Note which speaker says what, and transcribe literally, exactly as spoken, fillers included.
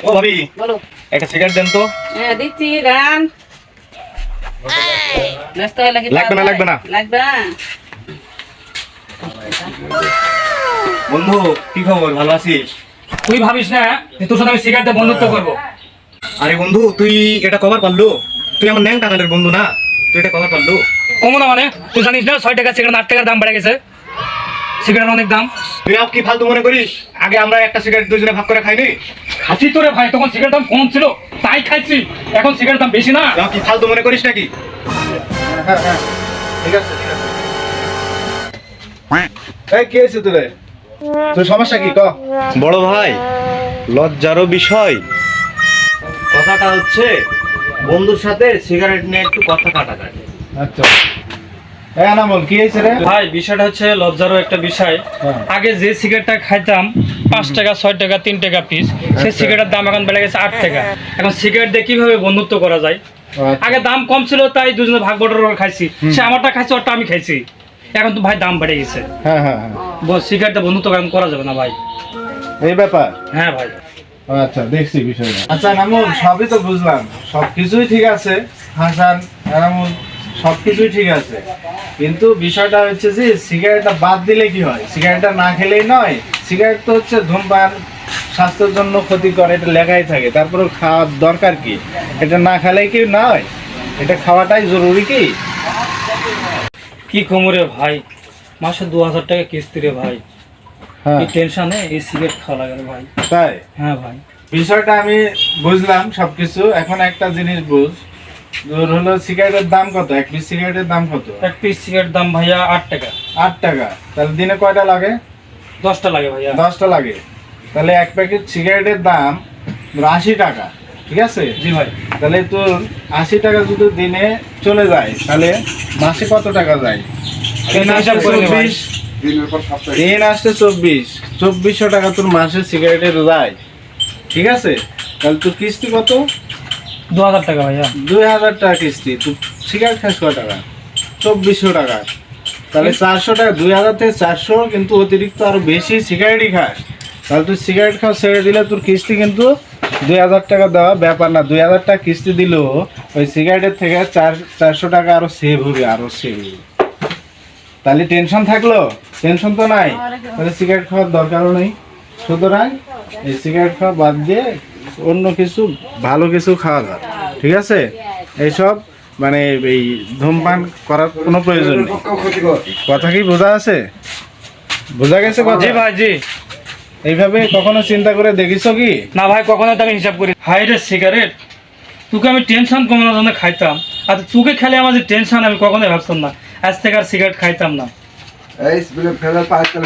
Speaker 1: ও ভাবি
Speaker 2: বলো।
Speaker 1: একটা সিগারেট দেন তো।
Speaker 2: হ্যাঁ দিচ্ছি গান। ব্যস্ত হয়ে লাগি
Speaker 1: লাগবে না, লাগবে না।
Speaker 2: লাগবে না।
Speaker 1: বন্ধু কি খবর, ভালো আছিস?
Speaker 3: তুই ভাবিস না যে তোর সাথে আমি সিগারেটে বন্ধুত্ব করবো।
Speaker 1: আরে বন্ধু তুই এটা কভার পারলো? তুই আমার ন্যাং টাকালের বন্ধু না, তুই এটা কভার পারলো?
Speaker 3: কমো না মানে তুই জানিস না ছয় টাকা সিগারেট আট টাকার দাম বেড়ে গেছে। সিগারেট অনেক দাম।
Speaker 1: তুই আর কি ফালতু মনে করিস? আগে আমরা একটা সিগারেট দুজনে ভাগ করে খাইনি?
Speaker 3: খাচ্ছি তো রে ভাই, তখন সিগারেট দাম কম ছিল তাই খাইছি, এখন সিগারেট দাম বেশি না।
Speaker 1: তুই আর কি ফালতু মনে করিস নাকি? হ্যাঁ হ্যাঁ ঠিক আছে ঠিক আছে।
Speaker 4: এই কি হয়েছে তোরে? তোর সমস্যা কি ক?
Speaker 1: বড় ভাই লজ্জারও বিষয়, কথাটা হচ্ছে বন্ধুর সাথে সিগারেট নিয়ে একটু কথা কাটাকাটি।
Speaker 4: আচ্ছা এই আনামল কি হয়েছে রে?
Speaker 3: ভাই বিষয়টা হচ্ছে লজ্জারও একটা বিষয়।
Speaker 4: হ্যাঁ।
Speaker 3: আগে যে সিগারেটটা খাইতাম পাঁচ টাকা ছয় টাকা তিন টাকা পিস, সেই সিগারেটের দাম এখন বেড়ে গেছে আট টাকা। এখন সিগারেট দিয়ে কিভাবে বন্ধুত্ব করা যায়? আগে দাম কম ছিল তাই দুজনে ভাগ বটর করে খাইছি, সে আমারটা খাইছে ওরটা আমি খাইছি। এখন তো ভাই দাম বেড়ে গেছে,
Speaker 4: হ্যাঁ হ্যাঁ হ্যাঁ
Speaker 3: সিগারেটটা বন্ধুত্ব এখন করা যাবে না ভাই।
Speaker 4: এই ব্যাপার।
Speaker 3: হ্যাঁ ভাই।
Speaker 4: আচ্ছা দেখছি বিষয়টা। আচ্ছা আনামুল সবই তো বুঝলাম, সবকিছুই ঠিক আছে। হাসান আনামুল সবকিছুই ঠিক আছে, কিন্তু বিষয়টা হচ্ছে যে সিগারেটটা বাদ দিলে কি হয়? সিগারেটটা না খেলেই নয়, সিগারেট তো হচ্ছে ধূমপান স্বাস্থ্যের জন্য ক্ষতিকর, এটা লেখাই থাকে। তারপরে খাওয়ার দরকার কি? এটা না খেলেই কি নয়, এটা খাওয়াটাই জরুরি কি?
Speaker 3: কি কমরে ভাই, মাসে দু হাজার টাকা কিস্তি রে ভাই।
Speaker 4: হ্যাঁ
Speaker 3: এই টেনশনে এই সিগারেট খাওয়া লাগে রে ভাই।
Speaker 4: তাই
Speaker 3: হ্যাঁ ভাই।
Speaker 4: বিষয়টা আমি বুঝলাম সবকিছু। এখন একটা জিনিস বুঝ, তোর হলো সিগারেটের দাম কত? এক পিস সিগারেটের দাম কত?
Speaker 3: এক পিস সিগারেট দাম ভাইয়া আট টাকা।
Speaker 4: আট টাকা। তাহলে দিনে কয়টা লাগে?
Speaker 3: দশটা লাগে ভাইয়া।
Speaker 4: দশটা লাগে। তাহলে এক প্যাকেট সিগারেটের দাম ধর আশি টাকা, ঠিক আছে?
Speaker 3: জি ভাই।
Speaker 4: তাহলে তোর আশি টাকা যদি দিনে চলে যায় তাহলে মাসে কত টাকা যায়? তিন আসতে
Speaker 3: হিসাব করে নে ভাই।
Speaker 4: চব্বিশ, তিন আসতে চব্বিশ, চব্বিশশো টাকা তোর মাসে সিগারেটের যায়, ঠিক আছে? তাহলে তোর কিস্তি কত?
Speaker 3: দু হাজার টাকা ভাইয়া।
Speaker 4: দুই হাজার টাকা কিস্তি। তুই সিগারেট খাস কয় টাকা? চব্বিশশো টাকা। তাহলে চারশো টাকা, দুই হাজার থেকে চারশো, কিন্তু অতিরিক্ত আরো বেশি সিগারেটই খাস। তাহলে তুই সিগারেট খাওয়া ছেড়ে দিলে তোর কিস্তি কিন্তু দুই হাজার টাকা দেওয়া ব্যাপার না। দুই হাজার টাকা কিস্তি দিলেও ওই সিগারেটের থেকে চার চারশো টাকা আরো সেভ হবে, আরো সেভ হবে। তাহলে টেনশন থাকলো? টেনশন তো নাই, তাহলে সিগারেট খাওয়ার দরকারও নেই। সুতরাং এই সিগারেট খাওয়া বাদ দিয়ে অন্য কিছু ভালো কিছু খাওয়া যায়, ঠিক আছে? এইসব মানে এই ধূমপান করার কোনো প্রয়োজন নেই। কথা কি বোঝা আছে? বোঝা গেছে কথা?
Speaker 3: জি ভাই জি।
Speaker 4: এইভাবে কখনো চিন্তা করে দেখিস কি?
Speaker 3: না ভাই, কখনো তো আমি হিসাব করি। হাই রে সিগারেট, তোকে আমি টেনশন কমানোর জন্য খাইতাম, আর তোকে খেলে আমার যে টেনশন আমি কখনোই ভাবতাম না। আজ থেকে আর সিগারেট খাইতাম না।